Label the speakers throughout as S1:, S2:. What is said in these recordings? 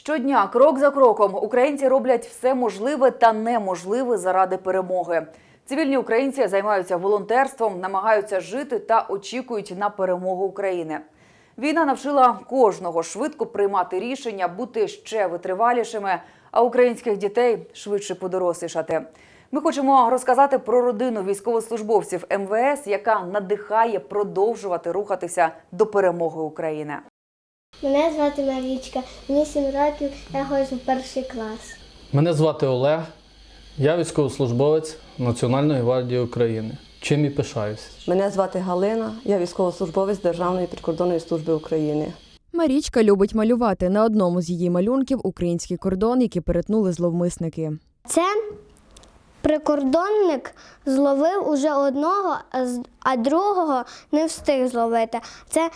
S1: Щодня, крок за кроком, українці роблять все можливе та неможливе заради перемоги. Цивільні українці займаються волонтерством, намагаються жити та очікують на перемогу України. Війна навчила кожного швидко приймати рішення, бути ще витривалішими, а українських дітей швидше подорослішати. Ми хочемо розказати про родину військовослужбовців МВС, яка надихає продовжувати рухатися до перемоги України.
S2: Мене звати Марічка, мені 7 років, я ходжу в перший клас.
S3: Мене звати Олег, я військовослужбовець Національної гвардії України. Чим і пишаюся.
S4: Мене звати Галина, я військовослужбовець Державної прикордонної служби України.
S5: Марічка любить малювати. На одному з її малюнків – український кордон, який перетнули зловмисники.
S2: Це прикордонник зловив уже одного, а другого не встиг зловити. Це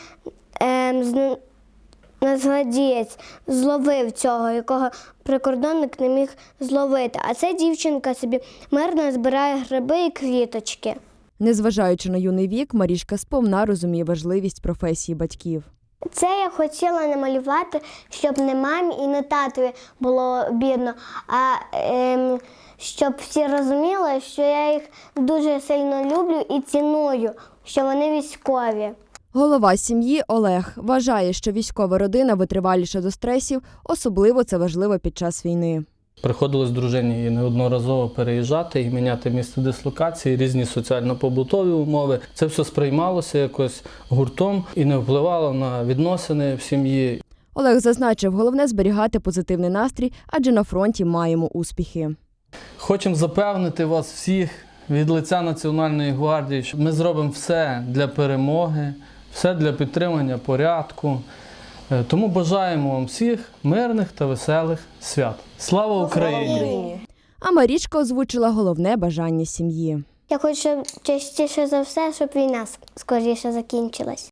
S2: нацгвардієць зловив цього, якого прикордонник не міг зловити. А ця дівчинка собі мирно збирає гриби і квіточки.
S5: Незважаючи на юний вік, Марічка сповна розуміє важливість професії батьків.
S2: Це я хотіла намалювати, щоб не мамі і не татові було бідно, а щоб всі розуміли, що я їх дуже сильно люблю і ціную, що вони військові.
S5: Голова сім'ї Олег вважає, що військова родина витриваліша до стресів, особливо це важливо під час війни.
S3: Приходилось дружині неодноразово переїжджати і міняти місце дислокації, різні соціально-побутові умови. Це все сприймалося якось гуртом і не впливало на відносини в сім'ї.
S5: Олег зазначив, головне зберігати позитивний настрій, адже на фронті маємо успіхи.
S3: Хочемо запевнити вас всіх від лиця Національної гвардії, що ми зробимо все для перемоги, все для підтримання порядку. Тому бажаємо вам всіх мирних та веселих свят. Слава Україні!
S5: А Марічка озвучила головне бажання сім'ї.
S2: Я хочу частіше за все, щоб війна скоріше закінчилась.